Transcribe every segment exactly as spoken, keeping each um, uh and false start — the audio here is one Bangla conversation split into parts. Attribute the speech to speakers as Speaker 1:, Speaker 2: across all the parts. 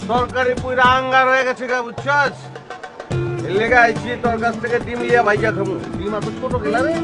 Speaker 1: তরকারি পুরা আঙ্গার হয়ে গেছে গা বুঝছস এর লেগে আইছি তোর কাছ থেকে ডিম লিয়া ভাইজা খামু ডিম এত ছোট গেলা রে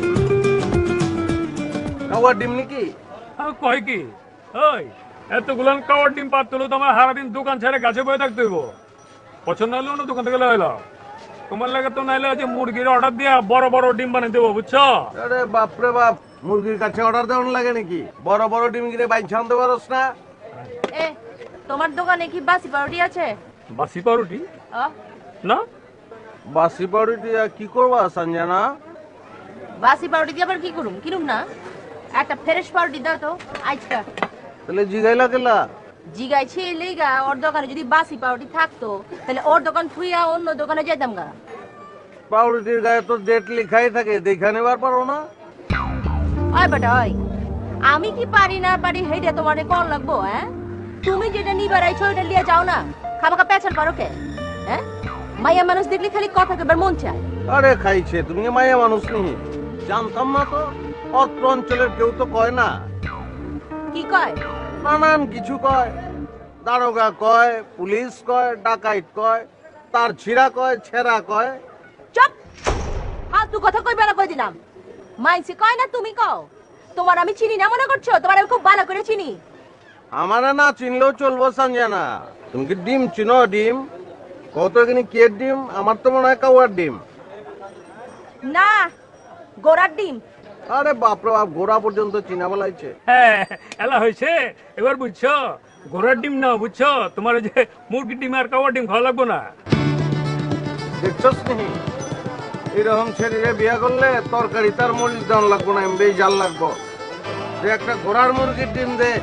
Speaker 1: কাওয়া ডিম নাকি
Speaker 2: আর কয় কি ওই এতগুলান কাওয়ার ডিম পাত তুলো তোমার সারাদিন দোকান ছেড়ে গাছে বয়ে থাকতে হইব পছন্দ হলো না দোকান থেকে লইলো তোমার লাগে তো নাইলে যে মুরগির অর্ডার দিয়া বড় বড় ডিম বানিয়ে দেবো বুঝছো
Speaker 1: আরে বাপ রে বাপ মুরগির কাছে অর্ডার দেওয়ার লাগে নাকি বড় বড় ডিম কিনে বাইন ছানতে পারস না
Speaker 3: এ তোমার দোকানে কি বাসি পাউরুটি আছে
Speaker 2: বাসি পাউরুটি
Speaker 3: আ?
Speaker 2: না
Speaker 1: বাসি পাউরি দিয়া কি করবা সঞ্জনা
Speaker 3: বাসি পাউরুটি দিয়ে আবার কি করুম কিনুম না একটা ফ্রেশ পাউরুটি দাও তো আজকা
Speaker 1: তাহলে জিগাইলা গেলা
Speaker 3: জিগাইছি এই লেগা ওর দোকানে যদি বাসি পাউরুটি থাকতো তাহলে ওর দোকান থুইয়া অন্য দোকানে যেতাম গা
Speaker 1: পাউরুটির গায়ে তো ডেট লেখাই থাকে দেখা নেবার পারো না
Speaker 3: ওই বেটা ওই আমি কি পারি না পারি হেইটা তোমারে কোন লাগবো হ্যাঁ তুমি যেটা নিবার আইছো ওটা লিয়ে যাও না খাবাকা পেছাল পারো কে হ্যাঁ মাইয়া মানুষ দেখলে খালি কথা কইবার মন চায়
Speaker 1: আরে খাইছে তুমি মায়া মানুষ নি জানতাম না তো অত্র অঞ্চলের কেউ তো কয় না
Speaker 3: কি কয়
Speaker 1: নানান কিছু কয় দারোগা কয় পুলিশ কয় ডাকাইত কয় তার ছিড়া কয় ছেঁড়া কয়
Speaker 3: চুপ ফালতু কথা কইবা না কই দিলাম মাইসে কয় না তুমি কও তোমার আমি চিনি না মনে করছো তোমার আমি খুব ভালো করে চিনি
Speaker 1: আমারে না চিনলেও চলবো সঞ্জনা তুমি কি ডিম চিনো ডিম কত এখানে কে ডিম আমার তো মনে হয় কাউয়ার ডিম
Speaker 3: না গোড়ার ডিম
Speaker 1: আরে বাপরে বাপ গোড়া পর্যন্ত চিনা বলাইছে
Speaker 2: হ্যাঁ এলা হয়েছে এবার বুঝছো ঘোড়ার ডিম না বুঝছো তোমার ওই যে মুরগির ডিম আর কাওয়ার ডিম খাওয়া লাগবো না
Speaker 1: দেখছস নি এরকম ছেলেরে বিয়া করলে তরকারি তার মরিচ দাম লাগবো না এমনি জাল লাগবো যে একটা ঘোড়ার মুরগির ডিম দে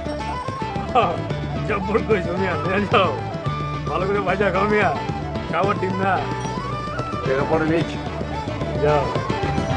Speaker 2: জব্বর কইছো মিয়া নিয়ে যাও ভালো করে ভাজা খাও মিয়া কাওয়ার ডিম না
Speaker 1: দেখা পরে নিয়েছি
Speaker 2: যাও